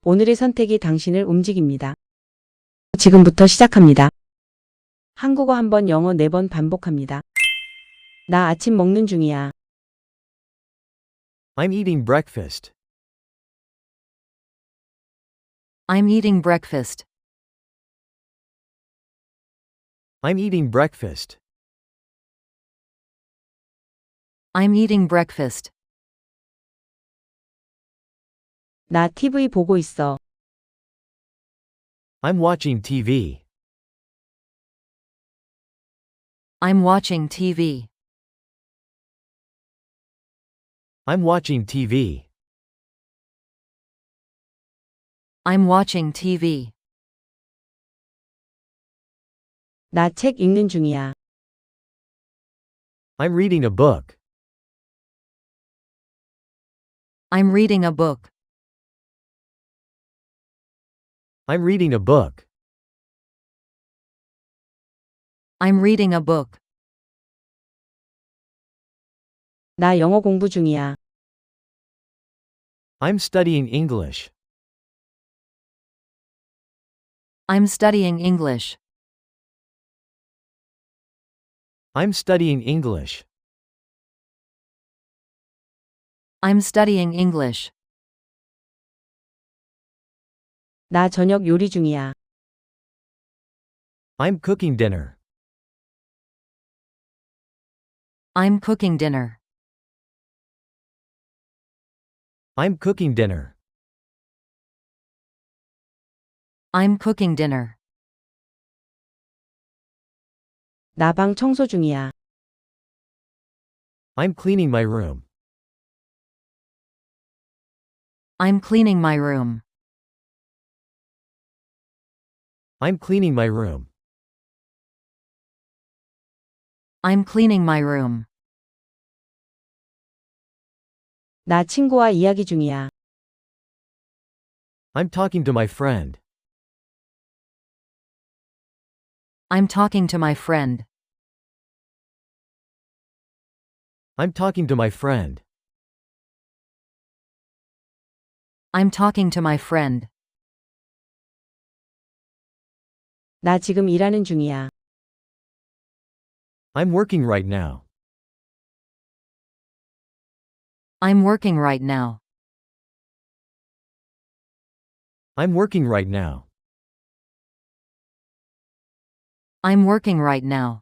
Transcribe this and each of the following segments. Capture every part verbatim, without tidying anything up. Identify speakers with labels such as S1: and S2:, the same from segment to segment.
S1: 오늘의 선택이 당신을 움직입니다. 지금부터 시작합니다. 한국어 한 번, 영어 네 번 반복합니다. 나 아침 먹는 중이야.
S2: I'm eating breakfast.
S3: I'm eating breakfast.
S2: I'm eating breakfast.
S3: I'm eating breakfast.
S1: 나 티비 보고 있어.
S2: I'm watching T V.
S3: I'm watching T V.
S2: I'm watching T V.
S3: I'm watching T V.
S1: 나 책 읽는 중이야.
S2: I'm reading a book.
S3: I'm reading a book.
S2: I'm reading a book.
S3: I'm reading a book.
S1: 나 영어 공부 중이야.
S2: I'm studying English.
S3: I'm studying English.
S2: I'm studying English.
S3: I'm studying English.
S1: 나 저녁 요리 중이야.
S2: I'm cooking dinner.
S3: I'm cooking dinner.
S2: I'm cooking dinner.
S3: I'm cooking dinner.
S1: 나 방 청소 중이야.
S2: I'm cleaning my room.
S3: I'm cleaning my room.
S2: I'm cleaning my room.
S3: I'm cleaning my room.
S1: 나 친구와 이야기 중이야.
S2: I'm talking to my friend.
S3: I'm talking to my friend.
S2: I'm talking to my friend.
S3: I'm talking to my friend.
S1: 나 지금 일하는 중이야.
S2: I'm working right now.
S3: I'm working right now.
S2: I'm working right now.
S3: I'm working right now.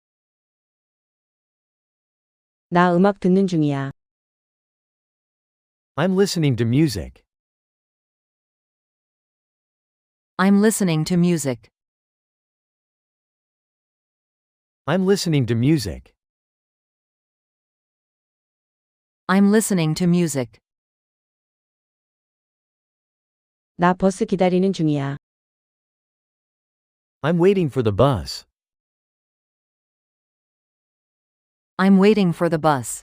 S1: 나 음악 듣는 중이야.
S2: I'm listening to music.
S3: I'm listening to music.
S2: I'm listening to music.
S3: I'm listening to music.
S1: 나 버스 기다리는 중이야.
S2: I'm waiting for the bus.
S3: I'm waiting for the bus.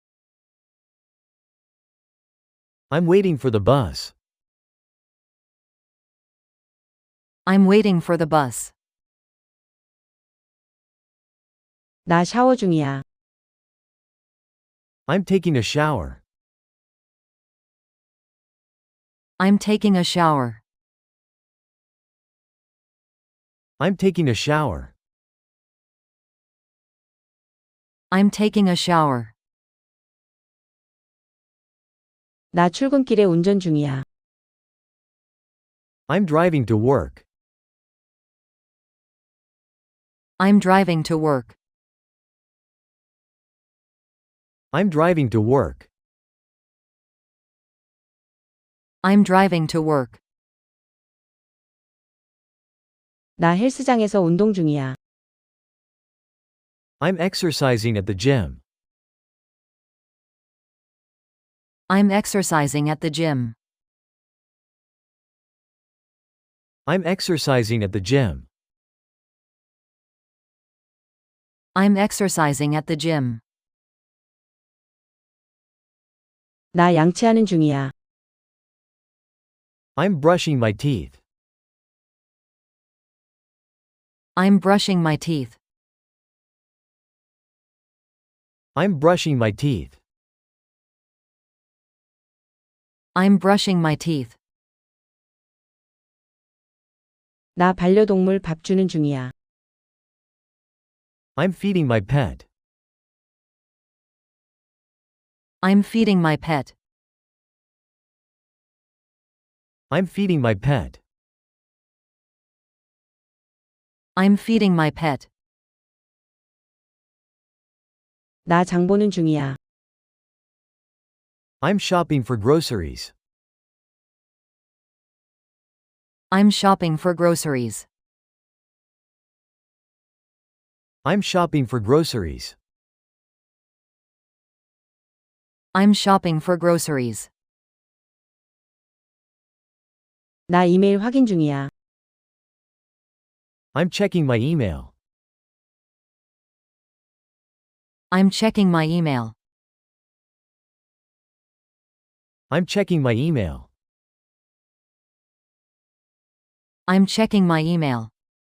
S2: I'm waiting for the bus.
S3: I'm waiting for the bus.
S1: 나 샤워 중이야.
S2: I'm taking a shower.
S3: I'm taking a shower.
S2: I'm taking a shower.
S3: I'm taking a shower.
S1: 나 출근길에 운전 중이야.
S2: I'm driving to work.
S3: I'm driving to work.
S2: I'm driving to work.
S3: I'm driving to work.
S1: 나 헬스장에서 운동 중이야.
S2: I'm exercising at the gym.
S3: I'm exercising at the gym.
S2: I'm exercising at the gym.
S3: I'm exercising at the gym.
S1: 나 양치하는 중이야.
S2: I'm brushing my teeth.
S3: I'm brushing my teeth.
S2: I'm brushing my teeth.
S3: I'm brushing my teeth.
S1: 나 반려동물 밥 주는 중이야.
S2: I'm feeding my pet.
S3: I'm feeding my pet.
S2: I'm feeding my pet.
S3: I'm feeding my pet.
S1: 나 장 보는 중이야.
S2: I'm shopping for groceries.
S3: I'm shopping for groceries.
S2: I'm shopping for groceries.
S3: I'm shopping for groceries.
S1: 나 이메일 확인 중이야.
S2: I'm checking my email.
S3: I'm checking my email.
S2: I'm checking my email.
S3: I'm checking my email.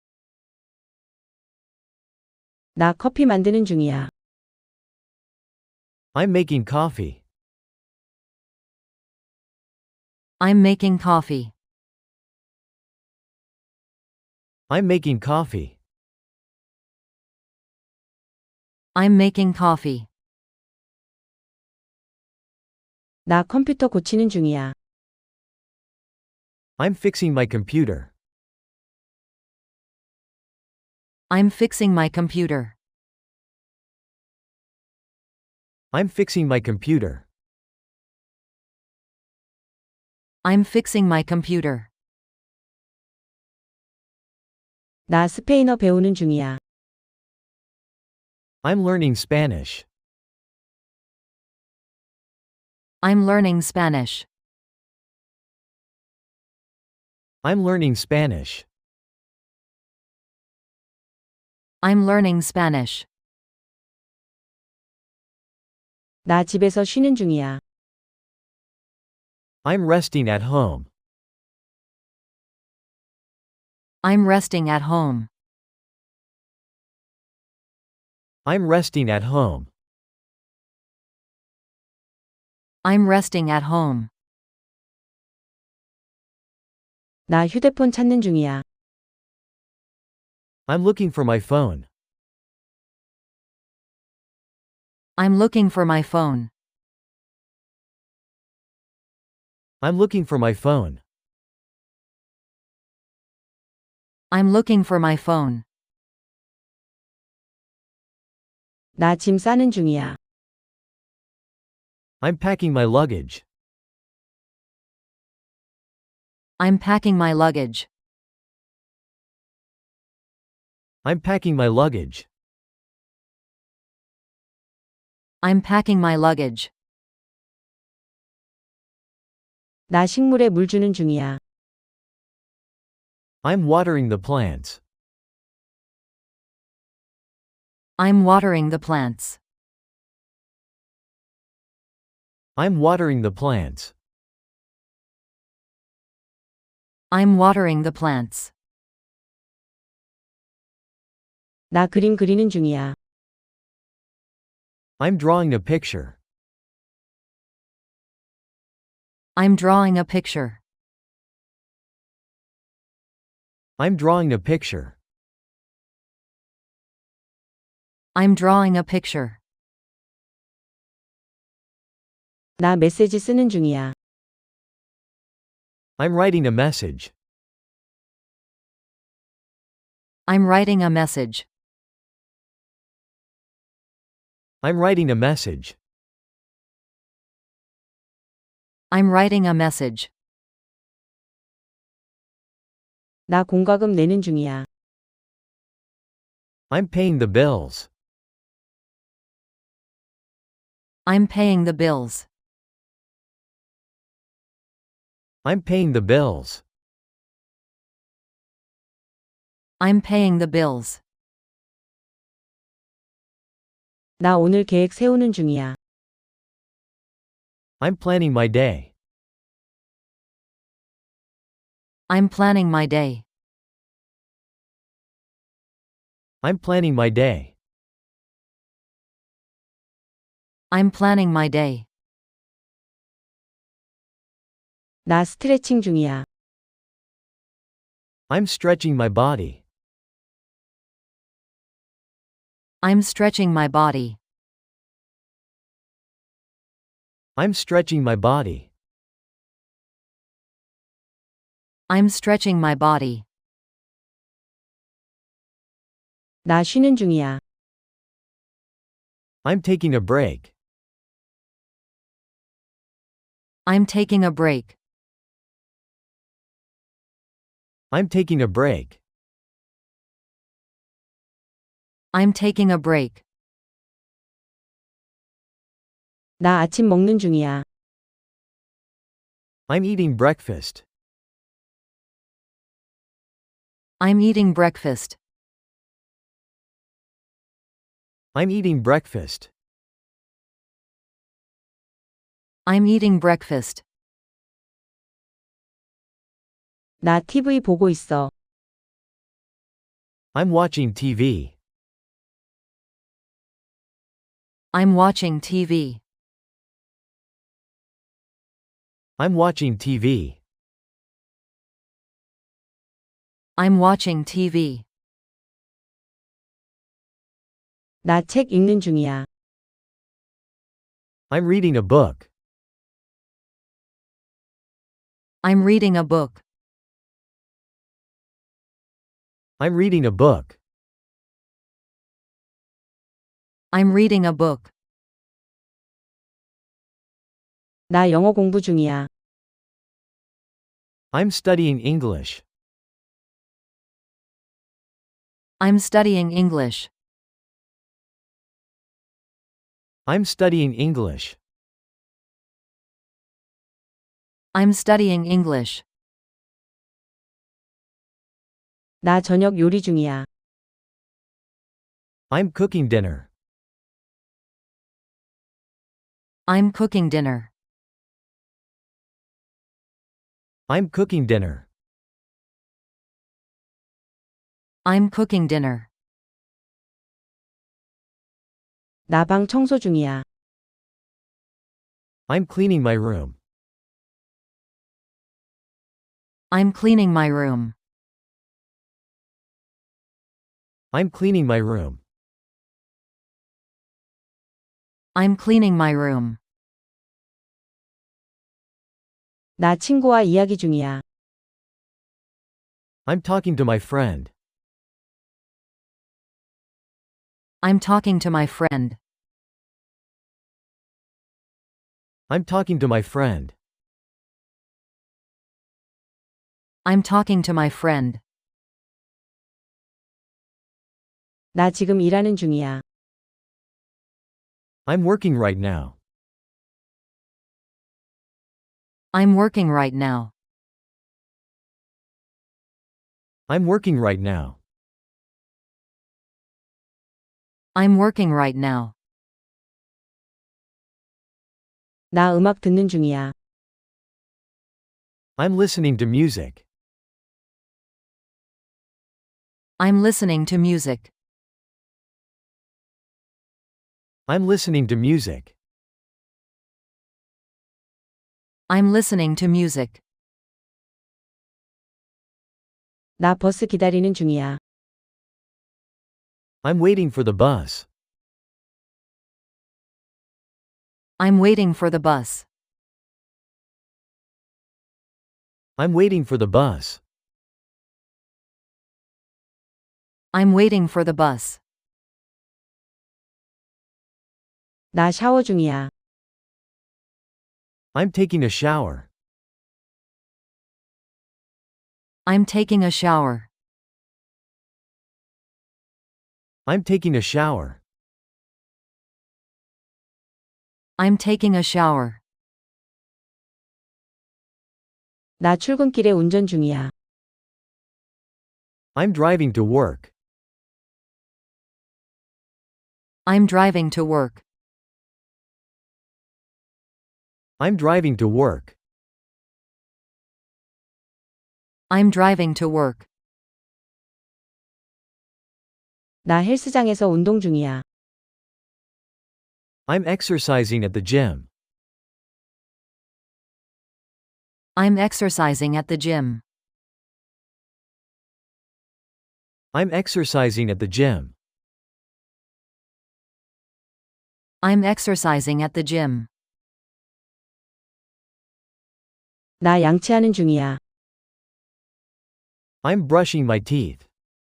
S1: 나 커피 만드는 중이야.
S2: I'm making coffee.
S3: I'm making coffee.
S2: I'm making coffee.
S3: I'm making coffee.
S1: 나 컴퓨터 고치는 중이야.
S2: I'm fixing my computer.
S3: I'm fixing my computer.
S2: I'm fixing my computer.
S3: I'm fixing my computer.
S1: 나 스페인어 배우는 중이야.
S2: I'm learning Spanish.
S3: I'm learning Spanish.
S2: I'm learning Spanish.
S3: I'm learning Spanish.
S1: 나 집에서 쉬는 중이야.
S2: I'm resting at home.
S3: I'm resting at home.
S2: I'm resting at home.
S3: I'm resting at home.
S1: 나 휴대폰 찾는 중이야.
S2: I'm looking for my phone.
S3: I'm looking for my phone.
S2: I'm looking for my phone.
S3: I'm looking for my phone.
S1: 나 짐 싸는 중이야.
S2: I'm packing my luggage.
S3: I'm packing my luggage.
S2: I'm packing my luggage.
S3: I'm packing my luggage.
S1: 나 식물에 물 주는 중이야.
S2: I'm watering the plants.
S3: I'm watering the plants.
S2: I'm watering the plants.
S3: I'm watering the plants.
S1: 나 그림 그리는 중이야.
S2: I'm drawing a picture.
S3: I'm drawing a picture.
S2: I'm drawing a picture.
S3: I'm drawing a picture.
S1: 나 메시지 쓰는 중이야.
S2: I'm writing a message.
S3: I'm writing a message.
S2: I'm writing a message.
S3: I'm writing a message.
S1: 나 공과금 내는 중이야.
S2: I'm paying the bills.
S3: I'm paying the bills.
S2: I'm paying the bills.
S3: I'm paying the bills.
S1: 나 오늘 계획 세우는 중이야.
S2: I'm planning my day.
S3: I'm planning my day.
S2: I'm planning my day.
S3: I'm planning my day.
S1: 나 스트레칭 중이야.
S2: I'm stretching my body.
S3: I'm stretching my body.
S2: I'm stretching my body.
S3: I'm stretching my body.
S1: 나 쉬는 중이야.
S2: I'm taking a break.
S3: I'm taking a break.
S2: I'm taking a break.
S3: I'm taking a break.
S1: 나 아침 먹는 중이야.
S2: I'm eating breakfast.
S3: I'm eating breakfast.
S2: I'm eating breakfast.
S3: I'm eating breakfast.
S1: 나 티비 보고 있어.
S2: I'm watching T V.
S3: I'm watching T V.
S2: I'm watching T V.
S3: I'm watching T V.
S1: 나 책 읽는 중이야.
S2: I'm reading a book.
S3: I'm reading a book.
S2: I'm reading a book.
S3: I'm reading a book.
S1: 나 영어 공부 중이야.
S2: I'm studying English.
S3: I'm studying English.
S2: I'm studying English.
S3: I'm studying English.
S1: 나 저녁 요리 중이야.
S2: I'm cooking dinner.
S3: I'm cooking dinner.
S2: I'm cooking dinner.
S3: I'm cooking dinner.
S1: 나 방 청소 중이야.
S2: I'm cleaning my room.
S3: I'm cleaning my room.
S2: I'm cleaning my room.
S3: I'm cleaning my room.
S1: 나 친구와 이야기 중이야.
S2: I'm talking to my friend.
S3: I'm talking to my friend.
S2: I'm talking to my friend.
S3: I'm talking to my friend.
S1: 나 지금 일하는 중이야.
S2: I'm working right now.
S3: I'm working right now.
S2: I'm working right now.
S3: I'm working right now.
S1: 나 음악 듣는 중이야.
S2: I'm listening to music.
S3: I'm listening to music.
S2: I'm listening to music.
S3: I'm listening to music.
S1: 나 버스 기다리는 중이야.
S2: I'm waiting for the bus.
S3: I'm waiting for the bus.
S2: I'm waiting for the bus.
S3: I'm waiting for the bus.
S1: 나 샤워 중이야.
S2: I'm taking a shower.
S3: I'm taking a shower.
S2: I'm taking a shower.
S3: I'm taking a shower.
S1: 나 출근길에 운전 중이야.
S2: I'm driving to work.
S3: I'm driving to work.
S2: I'm driving to work.
S3: I'm driving to work.
S1: 나 헬스장에서 운동 중이야.
S2: I'm exercising at the gym.
S3: I'm exercising at the gym.
S2: I'm exercising at the gym.
S3: I'm exercising at the gym.
S1: 나 양치하는 중이야.
S2: I'm brushing my teeth.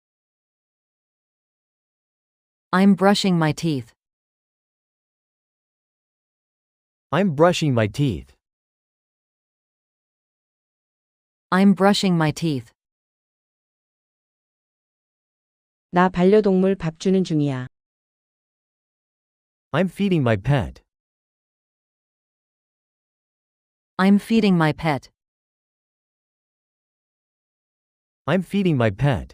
S3: I'm brushing my teeth.
S2: I'm brushing my teeth.
S3: I'm brushing my teeth.
S1: 나 반려동물 밥 주는 중이야.
S2: I'm feeding my pet.
S3: I'm feeding my pet.
S2: I'm feeding my pet.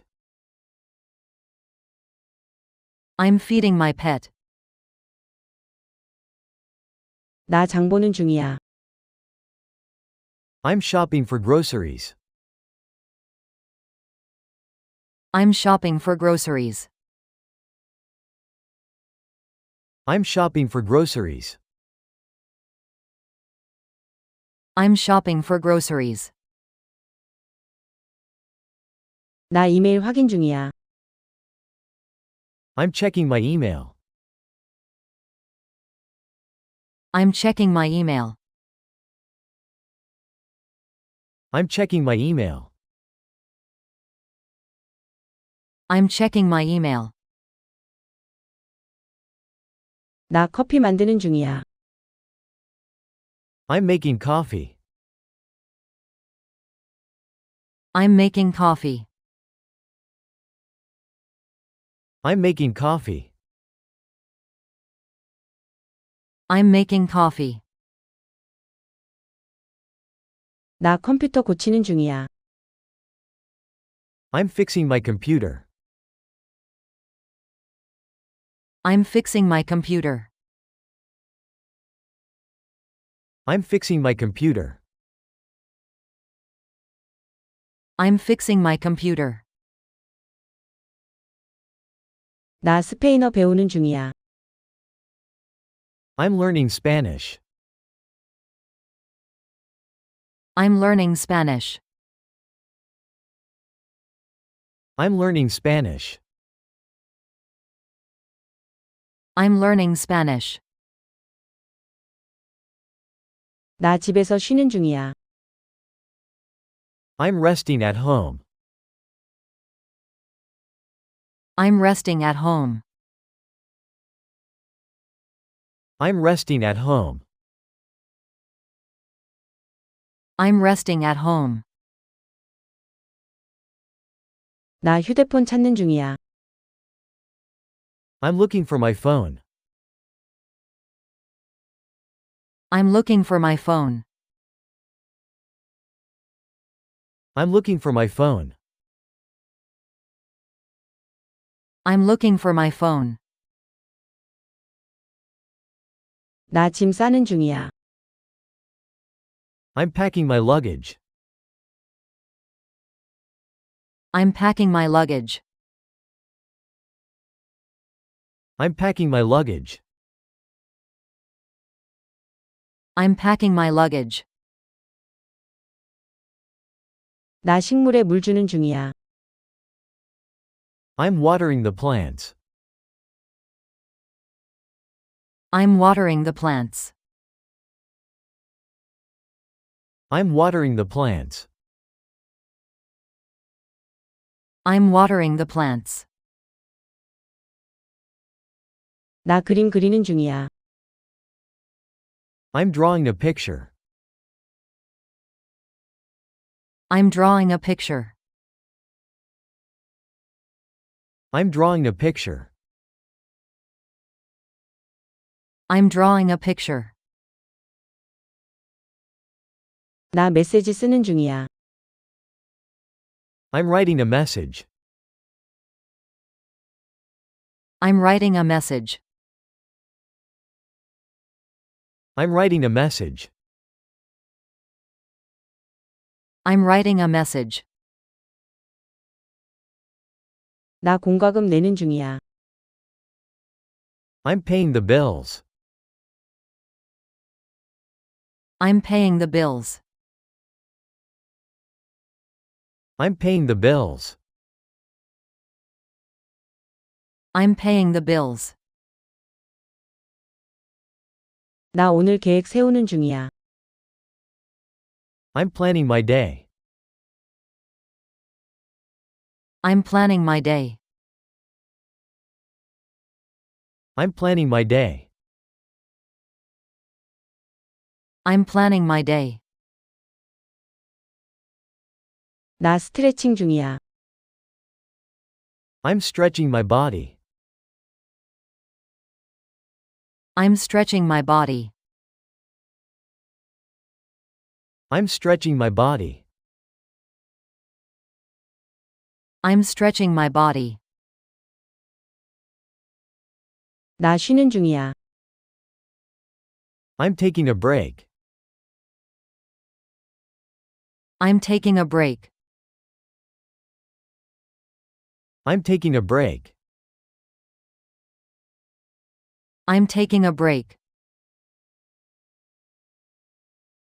S3: I'm feeding my pet.
S1: 나 장 보는 중이야.
S2: I'm shopping for groceries.
S3: I'm shopping for groceries.
S2: I'm shopping for groceries.
S3: I'm shopping for groceries.
S1: 나 이메일 확인 중이야.
S2: I'm checking my email.
S3: I'm checking my email.
S2: I'm checking my email.
S3: I'm checking my email.
S1: 나 커피 만드는 중이야.
S2: I'm making coffee.
S3: I'm making coffee.
S2: I'm making coffee.
S3: I'm making coffee.
S1: 나 컴퓨터 고치는 중이야.
S2: I'm fixing my computer.
S3: I'm fixing my computer.
S2: I'm fixing my computer.
S3: I'm fixing my computer.
S1: 나 스페인어 배우는 중이야.
S2: I'm learning Spanish.
S3: I'm learning Spanish.
S2: I'm learning Spanish.
S3: I'm learning Spanish.
S1: 나 집에서 쉬는 중이야.
S2: I'm resting at home.
S3: I'm resting at home.
S2: I'm resting at home.
S3: I'm resting at home.
S1: 나 휴대폰 찾는 중이야.
S2: I'm looking for my phone.
S3: I'm looking for my phone.
S2: I'm looking for my phone.
S3: I'm looking for my phone.
S1: 나 짐 싸는 중이야.
S2: I'm packing my luggage.
S3: I'm packing my luggage.
S2: I'm packing my luggage.
S3: I'm packing my luggage.
S1: 나 식물에 물 주는 중이야.
S2: I'm watering the plants.
S3: I'm watering the plants.
S2: I'm watering the plants.
S3: I'm watering the plants.
S1: 나 그림 그리는 중이야.
S2: I'm drawing a picture.
S3: I'm drawing a picture.
S2: I'm drawing a picture.
S3: I'm drawing a picture.
S1: 나 메시지 쓰는 중이야.
S2: I'm writing a message.
S3: I'm writing a message.
S2: I'm writing a message.
S3: I'm writing a message.
S1: 나 공과금 내는 중이야.
S2: I'm paying the bills.
S3: I'm paying the bills.
S2: I'm paying the bills.
S3: I'm paying the bills.
S1: 나 오늘 계획 세우는 중이야.
S2: I'm planning my day.
S3: I'm planning my day.
S2: I'm planning my day.
S3: I'm planning my day.
S1: 나 스트레칭 중이야.
S2: I'm stretching my body.
S3: I'm stretching my body.
S2: I'm stretching my body.
S3: I'm stretching my body.
S1: 나 쉬는 중이야.
S2: I'm taking a break.
S3: I'm taking a break.
S2: I'm taking a break.
S3: I'm taking a break.